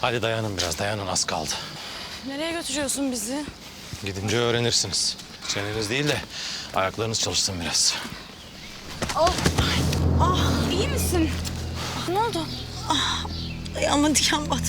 Hadi dayanın biraz, dayanın, az kaldı. Nereye götürüyorsun bizi? Gidince öğrenirsiniz. Çeneniz değil de ayaklarınız çalışsın biraz. İyi misin? Ne oldu? Ayağıma diken batmış.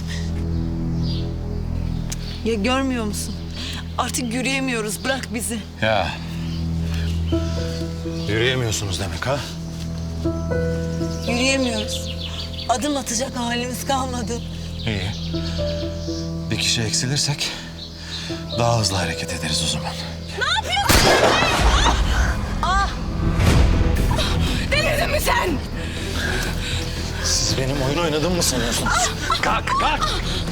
Ya görmüyor musun? Artık yürüyemiyoruz. Bırak bizi. Ya. Yürüyemiyorsunuz demek ha? Yürüyemiyoruz. Adım atacak halimiz kalmadı. İyi. Bir kişi eksilirsek daha hızlı hareket ederiz o zaman. Delirdin mi sen? Siz benim oyun oynadığımı mı sanıyorsunuz? Kalk, kalk!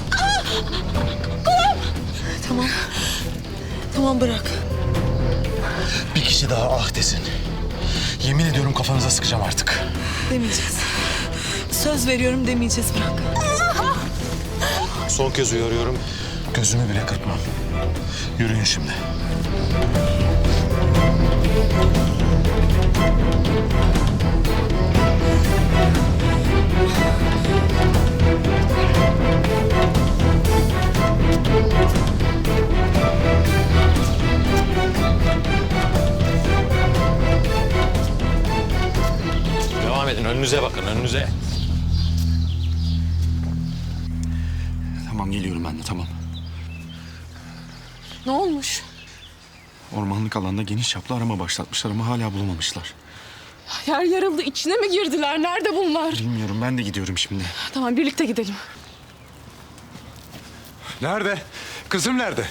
Tamam. Tamam bırak. Bir kişi daha ah desin. Yemin ediyorum kafanıza sıkacağım artık. Demeyeceğiz. Söz veriyorum demeyeceğiz, bırak. Son kez uyarıyorum. Gözümü bile kırpmam. Yürüyün şimdi. Devam edin. Önünüze bakın, önünüze. Tamam geliyorum ben de tamam. Ne olmuş? Ormanlık alanda geniş çaplı arama başlatmışlar ama hala bulamamışlar. Yer yarıldı. İçine mi girdiler? Nerede bunlar? Bilmiyorum ben de gidiyorum şimdi. Tamam, birlikte gidelim. Nerede? Kızım nerede?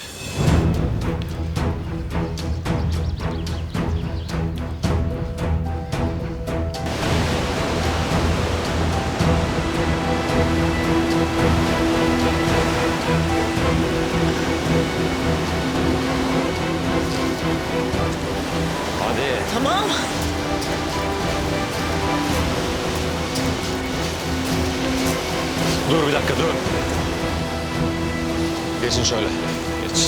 Hadi. Tamam. Dur bir dakika, dur. Geçin şöyle. Geç.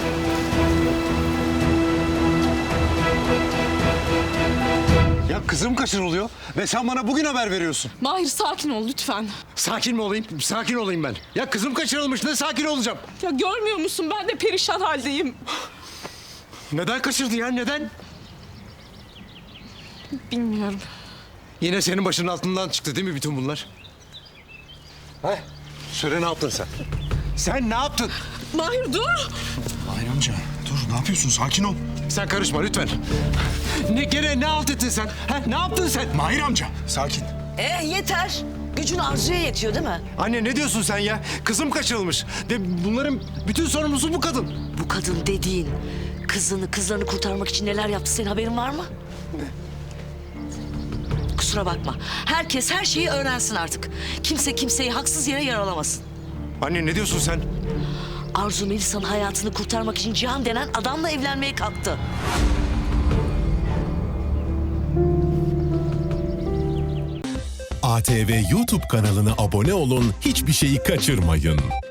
Ya kızım kaçırılıyor ve sen bana bugün haber veriyorsun. Mahir, sakin ol lütfen. Sakin mi olayım? Sakin olayım ben. Ya kızım kaçırılmış, ne sakin olacağım? Ya görmüyor musun? Ben de perişan haldeyim. Neden kaçırdı ya, neden? Bilmiyorum. Yine senin başının altından çıktı değil mi bütün bunlar? He? Söyle ne yaptın sen? Sen ne yaptın? Mahir dur. Hayır amca dur ne yapıyorsun sakin ol. Sen karışma lütfen. Gene ne alt ettin sen? Ne yaptın sen? Mahir amca sakin. Yeter. Gücün Arzu'ya yetiyor değil mi? Anne ne diyorsun sen ya? Kızım kaçırılmış. Ve bunların bütün sorumlusu bu kadın. Bu kadın dediğin kızlarını kurtarmak için neler yaptı, senin haberin var mı? Kusura bakma. Herkes her şeyi öğrensin artık. Kimse kimseyi haksız yere yaralamasın. Anne ne diyorsun sen? Arzu Melisa'nın hayatını kurtarmak için Cihan denen adamla evlenmeye kalktı. ATV YouTube kanalına abone olun, hiçbir şeyi kaçırmayın.